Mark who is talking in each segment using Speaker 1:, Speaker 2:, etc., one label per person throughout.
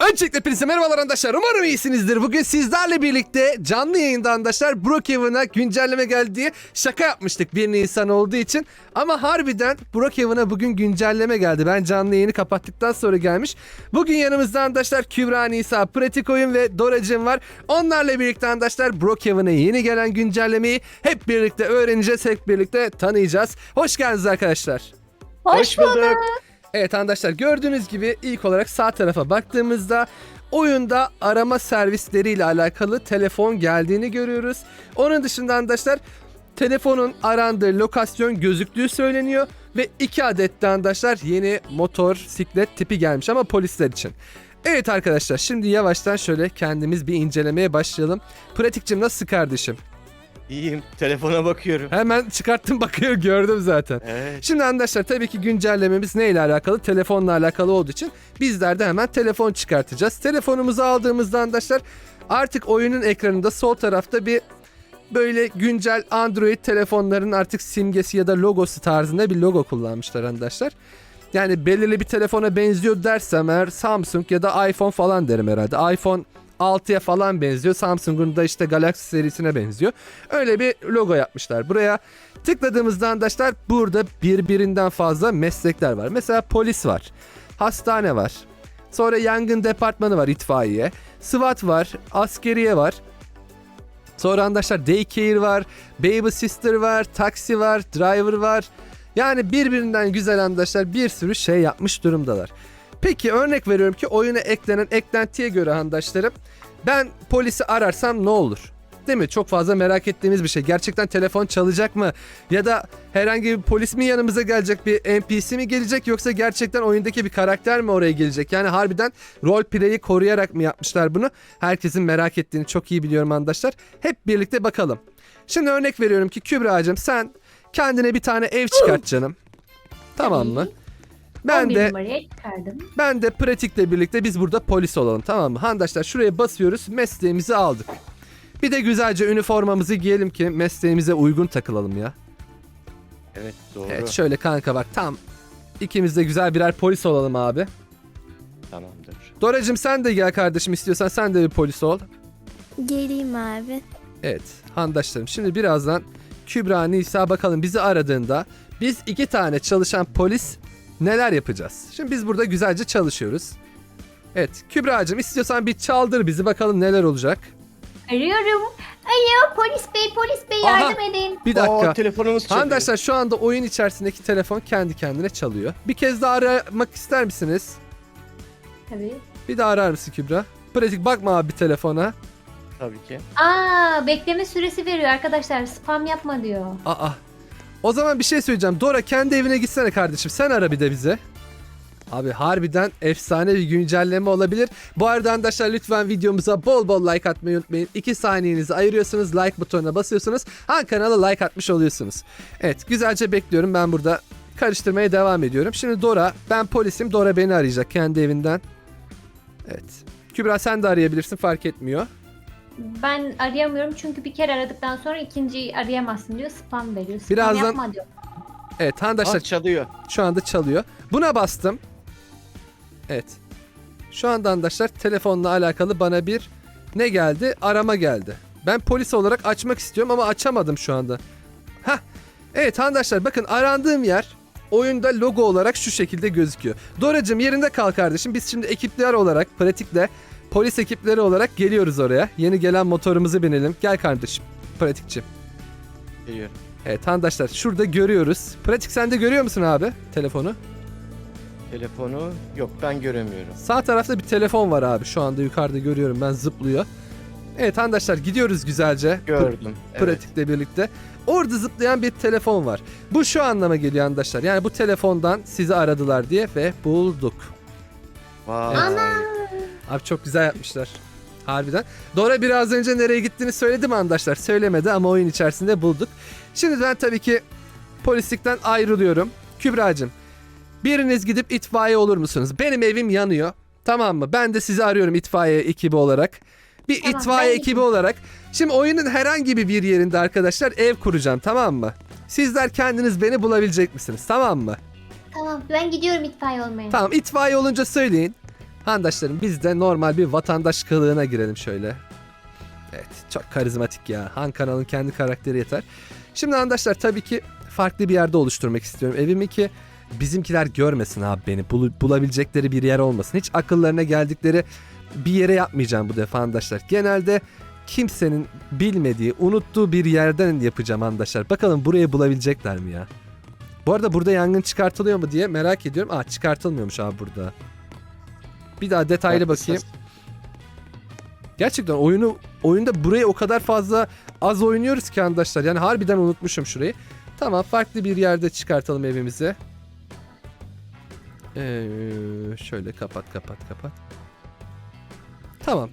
Speaker 1: Öncelikle hepinize merhabalar arkadaşlar. Umarım iyisinizdir. Bugün sizlerle birlikte canlı yayında arkadaşlar Brookhaven'a güncelleme geldi diye şaka yapmıştık 1 Nisan olduğu için. Ama harbiden Brookhaven'a bugün güncelleme geldi. Ben canlı yayını kapattıktan sonra gelmiş. Bugün yanımızda arkadaşlar Kübra, Nisa, Pratik Oyun ve Doracığım var. Onlarla birlikte arkadaşlar Brookhaven'a yeni gelen güncellemeyi hep birlikte öğreneceğiz. Hep birlikte tanıyacağız. Hoş geldiniz arkadaşlar.
Speaker 2: Hoş bulduk.
Speaker 1: Evet arkadaşlar, gördüğünüz gibi ilk olarak sağ tarafa baktığımızda oyunda arama servisleriyle alakalı telefon geldiğini görüyoruz. Onun dışında arkadaşlar telefonun arandığı lokasyon gözüktüğü söyleniyor ve 2 adet de arkadaşlar yeni motor siklet tipi gelmiş ama polisler için. Evet arkadaşlar, şimdi yavaştan şöyle kendimiz bir incelemeye başlayalım. Pratikçim, nasıl kardeşim?
Speaker 2: İyiyim. Telefona bakıyorum.
Speaker 1: Hemen çıkarttım, bakıyor, gördüm zaten.
Speaker 2: Evet.
Speaker 1: Şimdi arkadaşlar tabii ki güncellememiz neyle alakalı? Telefonla alakalı olduğu için bizler de hemen telefon çıkartacağız. Telefonumuzu aldığımızda arkadaşlar artık oyunun ekranında sol tarafta bir böyle güncel Android telefonların artık simgesi ya da logosu tarzında bir logo kullanmışlar arkadaşlar. Yani belirli bir telefona benziyor dersem eğer Samsung ya da iPhone falan derim herhalde. iPhone 6'ya falan benziyor. Samsung'un da işte Galaxy serisine benziyor. Öyle bir logo yapmışlar. Buraya tıkladığımızda arkadaşlar burada birbirinden fazla meslekler var. Mesela polis var. Hastane var. Sonra yangın departmanı var, itfaiye. SWAT var. Askeriye var. Sonra arkadaşlar daycare var. Baby sister var. Taksi var. Driver var. Yani birbirinden güzel arkadaşlar bir sürü şey yapmış durumdalar. Peki örnek veriyorum ki oyuna eklenen eklentiye göre arkadaşlarım, ben polisi ararsam ne olur? Değil mi? Çok fazla merak ettiğimiz bir şey. Gerçekten telefon çalacak mı? Ya da herhangi bir polis mi yanımıza gelecek, bir NPC mi gelecek, yoksa gerçekten oyundaki bir karakter mi oraya gelecek? Yani harbiden roleplay'i koruyarak mı yapmışlar bunu? Herkesin merak ettiğini çok iyi biliyorum arkadaşlar. Hep birlikte bakalım. Şimdi örnek veriyorum ki Kübra'cığım, sen kendine bir tane ev çıkart canım. Tamam mı? Ben de pratikle birlikte biz burada polis olalım, tamam mı? Arkadaşlar şuraya basıyoruz, mesleğimizi aldık. Bir de güzelce üniformamızı giyelim ki mesleğimize uygun takılalım ya.
Speaker 2: Evet, doğru.
Speaker 1: Evet şöyle kanka, bak tam ikimiz de güzel birer polis olalım abi.
Speaker 2: Tamamdır.
Speaker 1: Doracığım sen de gel kardeşim, istiyorsan sen de bir polis ol.
Speaker 3: Geleyim abi.
Speaker 1: Evet handaşlarım, şimdi birazdan Kübra, Nisa bakalım bizi aradığında biz 2 tane çalışan polis neler yapacağız? Şimdi biz burada güzelce çalışıyoruz. Evet Kübra'cığım, istiyorsan bir çaldır bizi, bakalım neler olacak.
Speaker 4: Arıyorum. Alo polis bey
Speaker 1: Aha,
Speaker 4: yardım edin.
Speaker 1: Bir dakika.
Speaker 2: Telefonumuz çalıyor.
Speaker 1: Arkadaşlar şu anda oyun içerisindeki telefon kendi kendine çalıyor. Bir kez daha aramak ister misiniz?
Speaker 4: Tabii.
Speaker 1: Bir daha arar mısın Kübra? Pratik bakma abi telefona.
Speaker 2: Tabii ki.
Speaker 4: Bekleme süresi veriyor arkadaşlar. Spam yapma diyor.
Speaker 1: Aa. O zaman bir şey söyleyeceğim. Dora, kendi evine gitsene kardeşim. Sen ara bir de bize. Abi harbiden efsane bir güncelleme olabilir. Bu arada arkadaşlar lütfen videomuza bol bol like atmayı unutmayın. 2 saniyenizi ayırıyorsunuz. Like butonuna basıyorsunuz. Kanala like atmış oluyorsunuz. Evet, güzelce bekliyorum. Ben burada karıştırmaya devam ediyorum. Şimdi Dora, ben polisim. Dora beni arayacak kendi evinden. Evet. Kübra sen de arayabilirsin, fark etmiyor.
Speaker 4: Ben arayamıyorum çünkü bir kere aradıktan sonra ikinciyi arayamazsın diyor. Spam veriyor. Spam
Speaker 1: Birazdan-
Speaker 4: yapma diyor.
Speaker 1: Evet arkadaşlar
Speaker 2: Çalıyor.
Speaker 1: şu anda çalıyor. Buna bastım. Evet. Şu anda arkadaşlar telefonla alakalı bana bir ne geldi? Arama geldi. Ben polis olarak açmak istiyorum ama açamadım şu anda. Hah. Evet arkadaşlar bakın, arandığım yer oyunda logo olarak şu şekilde gözüküyor. Doracığım yerinde kal kardeşim. Biz şimdi ekipler olarak pratikle polis ekipleri olarak geliyoruz oraya. Yeni gelen motorumuzu binelim. Gel kardeşim. Pratikçi.
Speaker 2: Geliyorum.
Speaker 1: Evet arkadaşlar şurada görüyoruz. Pratik, sen de görüyor musun abi telefonu?
Speaker 2: Telefonu yok, ben göremiyorum.
Speaker 1: Sağ tarafta bir telefon var abi. Şu anda yukarıda görüyorum ben, zıplıyor. Evet arkadaşlar gidiyoruz güzelce.
Speaker 2: Gördüm. Evet.
Speaker 1: Pratikle birlikte. Orada zıplayan bir telefon var. Bu şu anlama geliyor arkadaşlar. Yani bu telefondan sizi aradılar diye ve bulduk.
Speaker 2: Vay.
Speaker 1: Abi çok güzel yapmışlar. Harbiden. Dora biraz önce nereye gittiğini söyledi mi arkadaşlar? Söylemedi ama oyun içerisinde bulduk. Şimdi ben tabii ki polislikten ayrılıyorum. Kübra'cığım, biriniz gidip itfaiye olur musunuz? Benim evim yanıyor. Tamam mı? Ben de sizi arıyorum itfaiye ekibi olarak. Bir
Speaker 4: Tamam,
Speaker 1: itfaiye
Speaker 4: ben
Speaker 1: ekibi olarak. Şimdi oyunun herhangi bir yerinde arkadaşlar ev kuracağım, tamam mı? Sizler kendiniz beni bulabilecek misiniz? Tamam mı?
Speaker 4: Tamam ben gidiyorum itfaiye olmaya.
Speaker 1: Tamam, itfaiye olunca söyleyin. Handaşlarım biz de normal bir vatandaş kılığına girelim şöyle. Evet çok karizmatik ya. Han kanalın kendi karakteri yeter. Şimdi handaşlar tabii ki farklı bir yerde oluşturmak istiyorum evimi ki bizimkiler görmesin abi beni. Bulabilecekleri bir yer olmasın. Hiç akıllarına geldikleri bir yere yapmayacağım bu defa handaşlar. Genelde kimsenin bilmediği, unuttuğu bir yerden yapacağım handaşlar. Bakalım burayı bulabilecekler mi ya? Bu arada burada yangın çıkartılıyor mu diye merak ediyorum. Aa çıkartılmıyormuş abi burada. Bir daha detaylı bakayım. Gerçekten oyunda burayı o kadar fazla az oynuyoruz ki arkadaşlar. Yani harbiden unutmuşum şurayı. Tamam farklı bir yerde çıkartalım evimizi. Şöyle kapat. Tamam.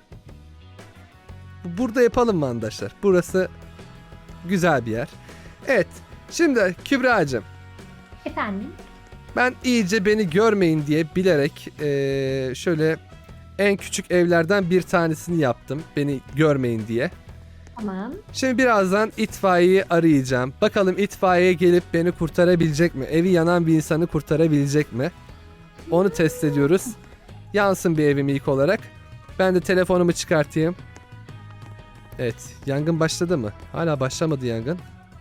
Speaker 1: Burada yapalım mı arkadaşlar? Burası güzel bir yer. Evet. Şimdi Kübra'cığım.
Speaker 4: Efendim?
Speaker 1: Ben iyice beni görmeyin diye bilerek şöyle en küçük evlerden bir tanesini yaptım. Beni görmeyin diye.
Speaker 4: Tamam.
Speaker 1: Şimdi birazdan itfaiyeyi arayacağım. Bakalım itfaiye gelip beni kurtarabilecek mi? Evi yanan bir insanı kurtarabilecek mi? Onu test ediyoruz. Yansın bir evim ilk olarak. Ben de telefonumu çıkartayım. Evet. Yangın başladı mı? Hala başlamadı yangın.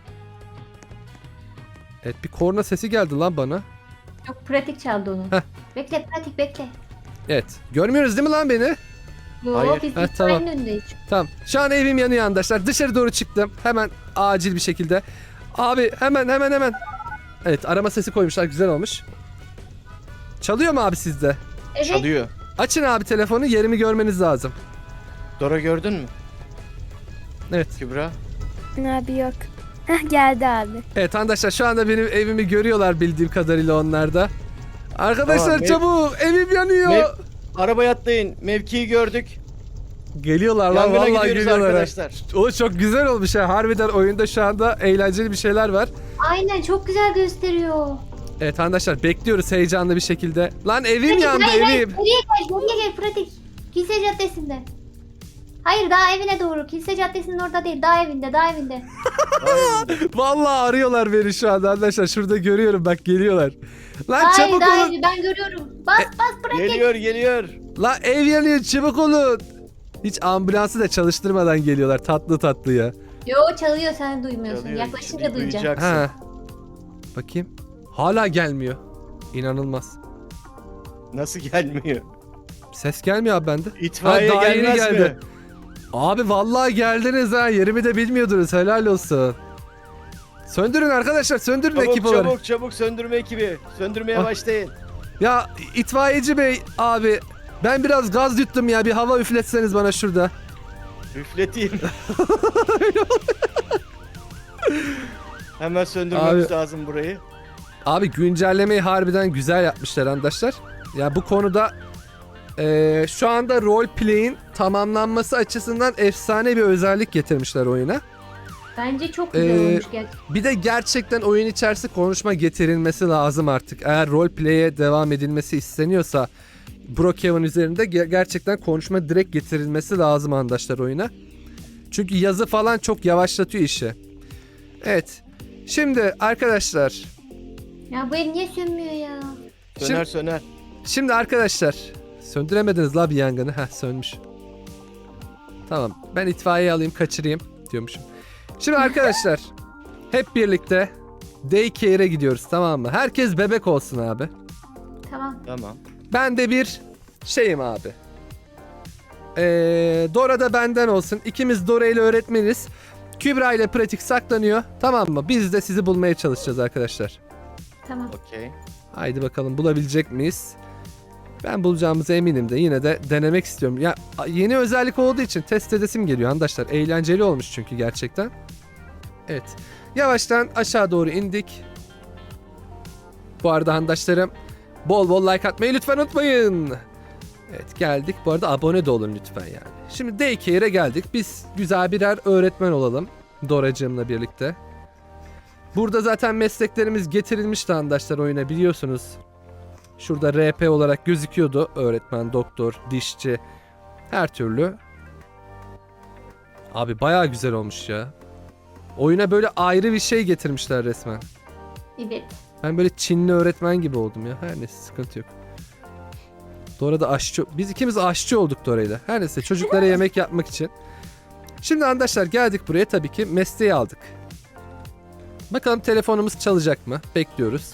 Speaker 1: Evet bir korna sesi geldi lan bana.
Speaker 4: Çok pratik çaldı onu.
Speaker 1: Heh.
Speaker 4: Bekle pratik bekle.
Speaker 1: Evet. Görmüyoruz değil mi lan beni?
Speaker 2: Hayır.
Speaker 4: Biz
Speaker 1: Ha, tamam.
Speaker 4: itfaiyenin önündeyiz.
Speaker 1: Tamam. Şu an evim yanıyor arkadaşlar. Dışarı doğru çıktım. Hemen acil bir şekilde. Abi hemen. Evet arama sesi koymuşlar. Güzel olmuş. Çalıyor mu abi sizde?
Speaker 4: Evet.
Speaker 2: Çalıyor.
Speaker 1: Açın abi telefonu. Yerimi görmeniz lazım.
Speaker 2: Dora gördün mü?
Speaker 1: Evet.
Speaker 2: Kübra.
Speaker 3: Abi yok. Heh, geldi abi.
Speaker 1: Evet arkadaşlar şu anda benim evimi görüyorlar bildiğim kadarıyla onlar da. Arkadaşlar
Speaker 2: Tamam,
Speaker 1: çabuk evim yanıyor.
Speaker 2: Arabaya atlayın. Mevkiyi gördük.
Speaker 1: Geliyorlar lan
Speaker 2: Yangına
Speaker 1: vallahi
Speaker 2: gidiyoruz
Speaker 1: geliyorlar.
Speaker 2: arkadaşlar.
Speaker 1: O çok güzel olmuş ha. Harbiden oyunda şu anda eğlenceli bir şeyler var.
Speaker 4: Aynen çok güzel gösteriyor.
Speaker 1: Evet arkadaşlar bekliyoruz heyecanlı bir şekilde. Lan evim
Speaker 4: Pratik,
Speaker 1: yandı
Speaker 4: hayır,
Speaker 1: evim.
Speaker 4: Geriye gel pratik. Kilise Caddesi'nde. Hayır daha evine doğru. Kilise Caddesi'nin orada değil. Daha evinde.
Speaker 1: Vallahi arıyorlar beni şu anda arkadaşlar. Şurada görüyorum bak geliyorlar. Lan
Speaker 4: Hayır
Speaker 1: çabuk
Speaker 4: daha
Speaker 1: olun.
Speaker 4: evi ben görüyorum. Bas pratik.
Speaker 2: Geliyor.
Speaker 1: Lan ev yanıyor çabuk olun. Hiç ambulansı da çalıştırmadan geliyorlar tatlı ya.
Speaker 4: Yo çalıyor sen duymuyorsun.
Speaker 2: Çalıyor.
Speaker 4: Yaklaşınca
Speaker 2: Şimdi
Speaker 4: duyacaksın.
Speaker 2: duyacaksın.
Speaker 1: Ha. Bakayım. Hala gelmiyor. İnanılmaz.
Speaker 2: Nasıl gelmiyor?
Speaker 1: Ses gelmiyor abi bende.
Speaker 2: İtfaiye
Speaker 1: Ha, daha yeni
Speaker 2: gelmez
Speaker 1: geldi.
Speaker 2: mi?
Speaker 1: Abi vallahi geldiniz ha. Yerimi de bilmiyordunuz. Helal olsun. Söndürün arkadaşlar. Söndürün ekip olarak.
Speaker 2: Çabuk söndürme ekibi. Söndürmeye
Speaker 1: Ah.
Speaker 2: başlayın.
Speaker 1: Ya itfaiyeci bey abi. Ben biraz gaz yuttum ya. Bir hava üfletseniz bana şurada.
Speaker 2: Üfleteyim. Hemen söndürmemiz
Speaker 1: Abi.
Speaker 2: lazım burayı.
Speaker 1: Abi güncellemeyi harbiden güzel yapmışlar arkadaşlar. Ya bu konuda şu anda roleplay'in tamamlanması açısından efsane bir özellik getirmişler oyuna.
Speaker 4: Bence çok güzel olmuş gerçekten.
Speaker 1: Bir de gerçekten oyun içerisi konuşma getirilmesi lazım artık. Eğer roleplay'e devam edilmesi isteniyorsa Brookhaven üzerinde gerçekten konuşma direkt getirilmesi lazım arkadaşlar oyuna. Çünkü yazı falan çok yavaşlatıyor işi. Evet. Şimdi arkadaşlar.
Speaker 4: Ya bu ev niye sönmüyor ya?
Speaker 2: Söner.
Speaker 1: Şimdi arkadaşlar. Söndüremediniz la bir yangını. Heh sönmüş. Tamam. Ben itfaiye alayım kaçırayım diyormuşum. Şimdi arkadaşlar. Hep birlikte daycare'e gidiyoruz tamam mı? Herkes bebek olsun abi.
Speaker 4: Tamam.
Speaker 2: Tamam.
Speaker 1: Ben de bir şeyim abi. Dora da benden olsun. İkimiz Dora ile öğretmeniz. Kübra ile pratik saklanıyor. Tamam mı? Biz de sizi bulmaya çalışacağız arkadaşlar.
Speaker 4: Tamam.
Speaker 2: Okey.
Speaker 1: Haydi bakalım bulabilecek miyiz? Ben bulacağımıza eminim de yine de denemek istiyorum. Ya yeni özellik olduğu için test edesim geliyor arkadaşlar. Eğlenceli olmuş çünkü gerçekten. Evet. Yavaştan aşağı doğru indik. Bu arada arkadaşlarım bol bol like atmayı lütfen unutmayın. Evet geldik. Bu arada abone de olun lütfen yani. Şimdi daycare'e geldik. Biz güzel birer öğretmen olalım. Doracığımla birlikte. Burada zaten mesleklerimiz getirilmişti arkadaşlar oyuna biliyorsunuz. Şurada RP olarak gözüküyordu. Öğretmen, doktor, dişçi. Her türlü. Abi bayağı güzel olmuş ya. Oyuna böyle ayrı bir şey getirmişler resmen.
Speaker 4: Evet.
Speaker 1: Ben böyle Çinli öğretmen gibi oldum ya. Her neyse sıkıntı yok. Dora da aşçı. Biz ikimiz aşçı olduk Dora'yla. Her neyse çocuklara yemek yapmak için. Şimdi arkadaşlar geldik buraya, tabii ki mesleği aldık. Bakalım telefonumuz çalacak mı? Bekliyoruz.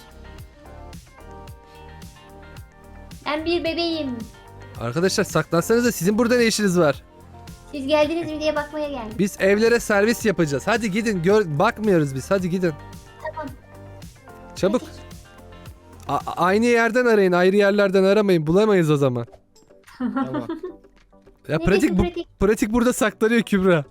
Speaker 4: Ben bir bebeğim.
Speaker 1: Arkadaşlar saklansanıza, sizin burada ne işiniz var?
Speaker 4: Siz geldiniz mi diye bakmaya geldim.
Speaker 1: Biz evlere servis yapacağız. Hadi gidin, bakmıyoruz biz. Hadi gidin.
Speaker 4: Tamam.
Speaker 1: Çabuk. Aynı yerden arayın. Ayrı yerlerden aramayın. Bulamayız o zaman.
Speaker 2: Tamam.
Speaker 1: Ya
Speaker 4: Neredesin
Speaker 1: pratik burada saklanıyor Kübra.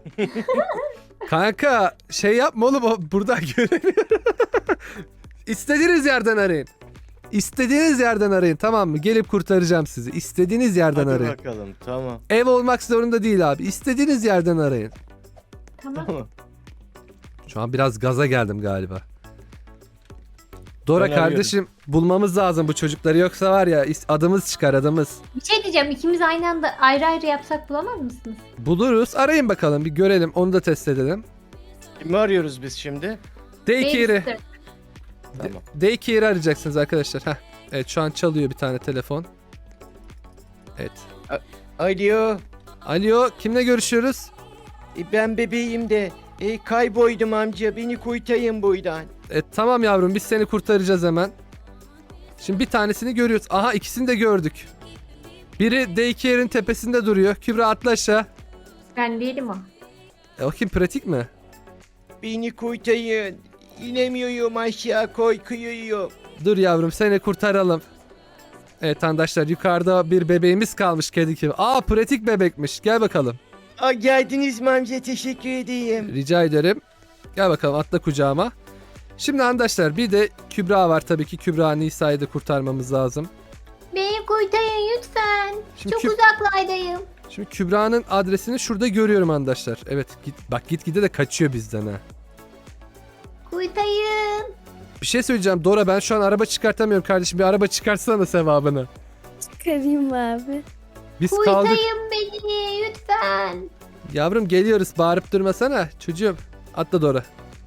Speaker 1: Kanka şey yapma oğlum, o burada göremiyorum. İstediğiniz yerden arayın. İstediğiniz yerden arayın, tamam mı? Gelip kurtaracağım sizi. İstediğiniz yerden
Speaker 2: Hadi
Speaker 1: arayın.
Speaker 2: bakalım, tamam.
Speaker 1: Ev olmak zorunda değil abi. İstediğiniz yerden arayın.
Speaker 4: Tamam.
Speaker 2: Tamam.
Speaker 1: Şu an biraz gaza geldim galiba. Dora
Speaker 2: Ben
Speaker 1: kardeşim, bulmamız lazım bu çocukları, yoksa var ya adımız çıkar, adımız.
Speaker 4: Bir şey diyeceğim. İkimiz aynı anda ayrı ayrı yapsak bulamaz mısınız?
Speaker 1: Buluruz. Arayın bakalım, bir görelim. Onu da test edelim.
Speaker 2: Kimi arıyoruz biz şimdi?
Speaker 1: Daycare'i.
Speaker 4: Babysitter.
Speaker 2: Tamam.
Speaker 1: Daycare'i arayacaksınız arkadaşlar. Heh. Evet, şu an çalıyor bir tane telefon. Evet.
Speaker 2: Alo.
Speaker 1: Alo, kimle görüşüyoruz?
Speaker 2: Ben bebeğim de. Kayboydum amca. Beni kurtarın buradan.
Speaker 1: Tamam yavrum, biz seni kurtaracağız hemen. Şimdi bir tanesini görüyoruz. Aha, ikisini de gördük. Biri Daycare'in tepesinde duruyor. Kübra atla aşağı.
Speaker 4: Ben değilim o.
Speaker 1: O kim, pratik mi?
Speaker 2: Beni kurtarın. İnemiyorum aşağı, korkuyorum.
Speaker 1: Dur yavrum, seni kurtaralım. Evet arkadaşlar, yukarıda bir bebeğimiz kalmış kedi gibi. Aa, pratik bebekmiş. Gel bakalım.
Speaker 2: Geldiniz mi amca? Teşekkür edeyim.
Speaker 1: Rica ederim. Gel bakalım, atla kucağıma. Şimdi arkadaşlar bir de Kübra var tabii ki. Kübra Nisa'yı da kurtarmamız lazım.
Speaker 4: Beni kurtarın lütfen.
Speaker 1: Şimdi
Speaker 4: Çok uzaklardayım.
Speaker 1: Şimdi Kübra'nın adresini şurada görüyorum arkadaşlar. Evet, gitgide de kaçıyor bizden ha.
Speaker 4: Kurtarın.
Speaker 1: Bir şey söyleyeceğim Dora, ben şu an araba çıkartamıyorum kardeşim. Bir araba çıkartsana sevabını.
Speaker 3: Çıkarayım abi.
Speaker 1: Biz kaldık.
Speaker 4: Kurtarın beni lütfen.
Speaker 1: Yavrum geliyoruz, bağırıp durmasana çocuğum. Atla Dora.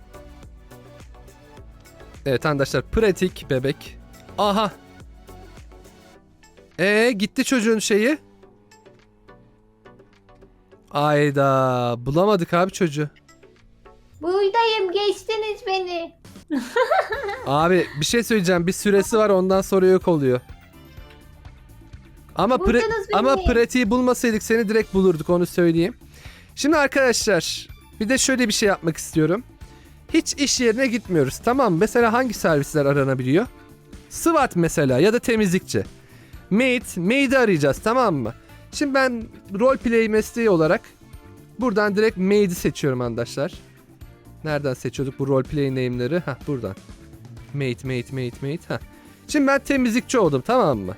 Speaker 1: Evet arkadaşlar, pratik bebek. Aha. Gitti çocuğun şeyi. Ayda bulamadık abi çocuğu.
Speaker 4: Buradayım, geçtiniz beni.
Speaker 1: Abi bir şey söyleyeceğim, bir süresi var, ondan sonra yok oluyor. Ama
Speaker 4: Buldunuz beni.
Speaker 1: ama pratiği bulmasaydık seni direkt bulurduk, onu söyleyeyim. Şimdi arkadaşlar bir de şöyle bir şey yapmak istiyorum. Hiç iş yerine gitmiyoruz, tamam mı? Mesela hangi servisler aranabiliyor? SWAT mesela, ya da temizlikçi. Maid'i arayacağız, tamam mı? Şimdi ben roleplay mesleği olarak buradan direkt maid'i seçiyorum arkadaşlar. Nereden seçiyorduk bu roleplay name'leri? Hah, buradan. Maid. Hah. Şimdi ben temizlikçi oldum, tamam mı?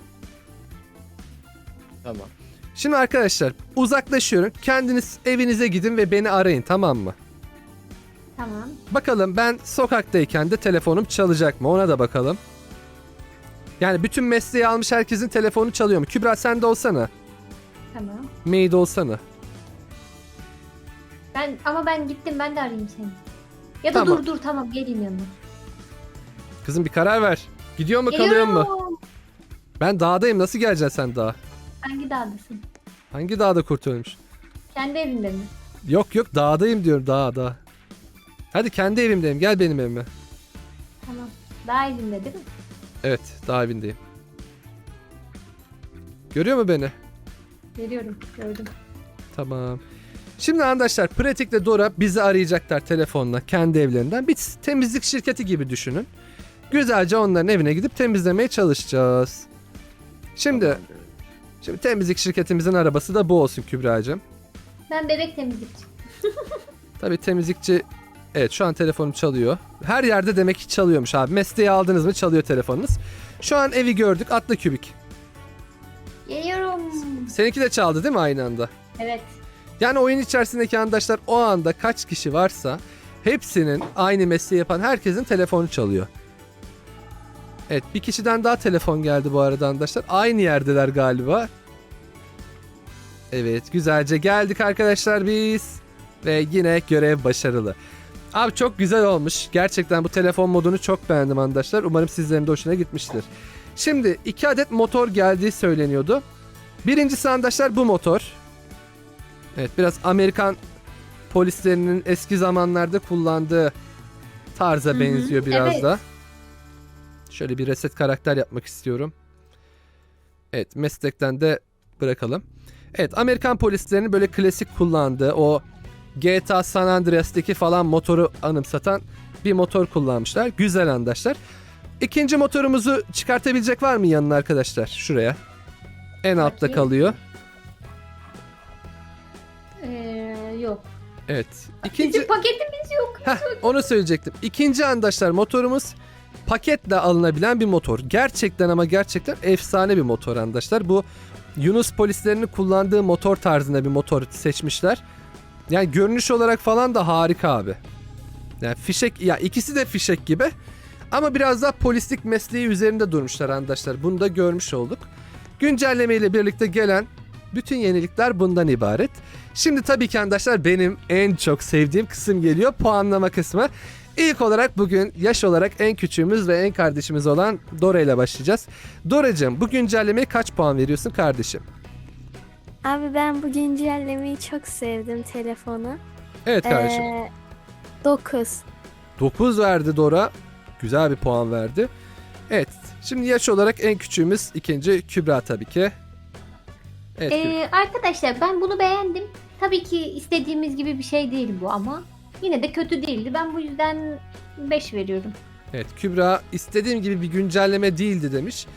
Speaker 2: Tamam.
Speaker 1: Şimdi arkadaşlar uzaklaşıyorum. Kendiniz evinize gidin ve beni arayın, tamam mı?
Speaker 4: Tamam.
Speaker 1: Bakalım ben sokaktayken de telefonum çalacak mı? Ona da bakalım. Yani bütün mesleği almış herkesin telefonu çalıyor mu? Kübra sen de olsana.
Speaker 4: Tamam.
Speaker 1: Maid olsana.
Speaker 4: Ama ben gittim, ben de arayayım seni. Ya da
Speaker 1: Tamam.
Speaker 4: dur tamam, geleyim yanına.
Speaker 1: Kızım bir karar ver. Gidiyor mu, kalıyor mu?
Speaker 4: Geliyorum.
Speaker 1: Ben dağdayım, nasıl geleceksin sen dağa?
Speaker 4: Hangi dağdasın?
Speaker 1: Hangi dağda kurt ölmüş?
Speaker 4: Kendi evinde mi?
Speaker 1: Yok dağdayım diyorum, dağ. Hadi kendi evimdeyim, gel benim evime.
Speaker 4: Tamam. Dağ evinde değil mi?
Speaker 1: Evet, dağ evindeyim. Görüyor mu beni?
Speaker 4: Geliyorum. Gördüm.
Speaker 1: Tamam. Şimdi arkadaşlar pratikle Dora bizi arayacaklar telefonla kendi evlerinden. Bir temizlik şirketi gibi düşünün. Güzelce onların evine gidip temizlemeye çalışacağız. Şimdi temizlik şirketimizin arabası da bu olsun Kübra'cığım.
Speaker 4: Ben bebek temizlikçi.
Speaker 1: Tabii temizlikçi, evet şu an telefonum çalıyor. Her yerde demek ki çalıyormuş abi. Mesleği aldınız mı çalıyor telefonunuz. Şu an evi gördük, atla Kübik.
Speaker 4: Geliyorum.
Speaker 1: Seninki de çaldı değil mi aynı anda?
Speaker 4: Evet.
Speaker 1: Yani oyun içerisindeki arkadaşlar o anda kaç kişi varsa hepsinin aynı mesleği yapan herkesin telefonu çalıyor. Evet, bir kişiden daha telefon geldi bu arada arkadaşlar. Aynı yerdeler galiba. Evet, güzelce geldik arkadaşlar biz. Ve yine görev başarılı. Abi çok güzel olmuş. Gerçekten bu telefon modunu çok beğendim arkadaşlar. Umarım sizlerin de hoşuna gitmiştir. Şimdi 2 adet motor geldiği söyleniyordu. Birincisi arkadaşlar bu motor. Evet, biraz Amerikan polislerinin eski zamanlarda kullandığı tarza benziyor biraz
Speaker 4: evet.
Speaker 1: da. Şöyle bir reset karakter yapmak istiyorum. Evet, meslekten de bırakalım. Evet, Amerikan polislerinin böyle klasik kullandığı o GTA San Andreas'taki falan motoru anımsatan bir motor kullanmışlar. Güzel arkadaşlar. İkinci motorumuzu çıkartabilecek var mı yanına arkadaşlar? Şuraya. En altta
Speaker 4: Bakayım.
Speaker 1: kalıyor.
Speaker 4: Yok.
Speaker 1: Evet.
Speaker 4: Bizim paketimiz yok.
Speaker 1: Heh, onu söyleyecektim. İkinci arkadaşlar motorumuz paketle alınabilen bir motor. Gerçekten ama gerçekten efsane bir motor arkadaşlar. Bu Yunus polislerinin kullandığı motor tarzında bir motor seçmişler. Yani görünüş olarak falan da harika abi. Yani fişek, ya ikisi de fişek gibi. Ama biraz daha polislik mesleği üzerinde durmuşlar arkadaşlar. Bunu da görmüş olduk. Güncelleme ile birlikte gelen bütün yenilikler bundan ibaret. Şimdi tabii ki arkadaşlar benim en çok sevdiğim kısım geliyor. Puanlama kısmı. İlk olarak bugün yaş olarak en küçüğümüz ve en kardeşimiz olan Dora ile başlayacağız. Doracığım, bu güncellemeye kaç puan veriyorsun kardeşim?
Speaker 3: Abi ben bu güncellemeyi çok sevdim telefonu.
Speaker 1: Evet kardeşim.
Speaker 3: 9.
Speaker 1: 9 verdi Dora. Güzel bir puan verdi. Evet. Şimdi yaş olarak en küçüğümüz ikinci Kübra tabii ki. Evet, Kübra.
Speaker 4: Arkadaşlar ben bunu beğendim. Tabii ki istediğimiz gibi bir şey değil bu ama yine de kötü değildi. Ben bu yüzden 5 veriyorum.
Speaker 1: Evet, Kübra istediğim gibi bir güncelleme değildi demiş.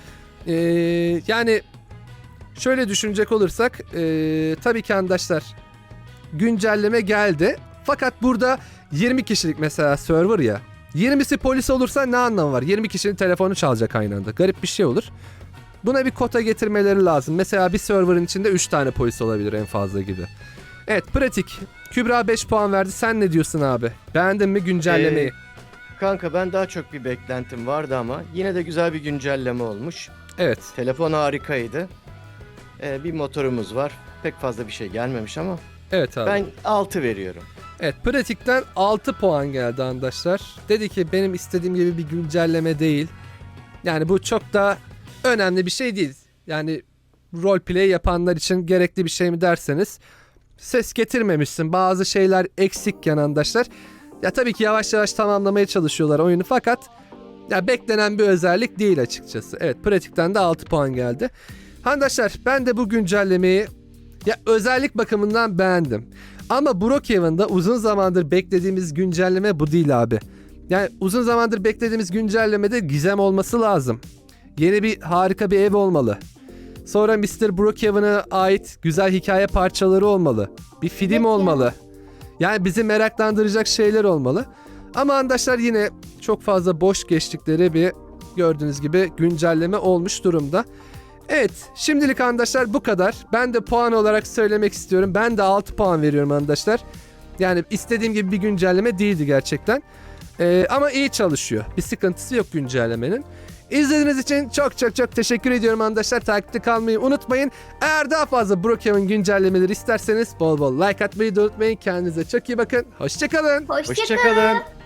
Speaker 1: Yani şöyle düşünecek olursak tabii ki arkadaşlar güncelleme geldi. Fakat burada 20 kişilik mesela server ya. 20'si polis olursa ne anlamı var? 20 kişinin telefonu çalacak aynı anda. Garip bir şey olur. Buna bir kota getirmeleri lazım. Mesela bir serverın içinde 3 tane polis olabilir en fazla gibi. Evet, pratik. Kübra 5 puan verdi. Sen ne diyorsun abi? Beğendin mi güncellemeyi?
Speaker 2: Kanka ben daha çok bir beklentim vardı ama yine de güzel bir güncelleme olmuş.
Speaker 1: Evet.
Speaker 2: Telefon harikaydı. Bir motorumuz var. Pek fazla bir şey gelmemiş ama
Speaker 1: Evet abi.
Speaker 2: ben 6 veriyorum.
Speaker 1: Evet, pratikten 6 puan geldi arkadaşlar. Dedi ki benim istediğim gibi bir güncelleme değil. Yani bu çok da önemli bir şey değil. Yani roleplay yapanlar için gerekli bir şey mi derseniz, ses getirmemişsin. Bazı şeyler eksikken arkadaşlar. Ya tabii ki yavaş yavaş tamamlamaya çalışıyorlar oyunu, fakat ya beklenen bir özellik değil açıkçası. Evet, pratikten de 6 puan geldi. Arkadaşlar ben de bu güncellemeyi ya özellik bakımından beğendim. Ama Brookhaven'da uzun zamandır beklediğimiz güncelleme bu değil abi. Yani uzun zamandır beklediğimiz güncellemede gizem olması lazım. Yeni bir harika bir ev olmalı. Sonra Mr. Brookhaven'a ait güzel hikaye parçaları olmalı. Bir film
Speaker 4: Evet ya.
Speaker 1: olmalı. Yani bizi meraklandıracak şeyler olmalı. Ama arkadaşlar yine çok fazla boş geçtikleri bir, gördüğünüz gibi, güncelleme olmuş durumda. Evet, şimdilik arkadaşlar bu kadar. Ben de puan olarak söylemek istiyorum. Ben de 6 puan veriyorum arkadaşlar. Yani istediğim gibi bir güncelleme değildi gerçekten. Ama iyi çalışıyor. Bir sıkıntısı yok güncellemenin. İzlediğiniz için çok çok çok teşekkür ediyorum arkadaşlar. Takipte kalmayı unutmayın. Eğer daha fazla Brookhaven güncellemeleri isterseniz bol bol like atmayı da unutmayın. Kendinize çok iyi bakın. Hoşçakalın.
Speaker 4: Hoşça
Speaker 2: Hoşçakalın.
Speaker 4: kalın.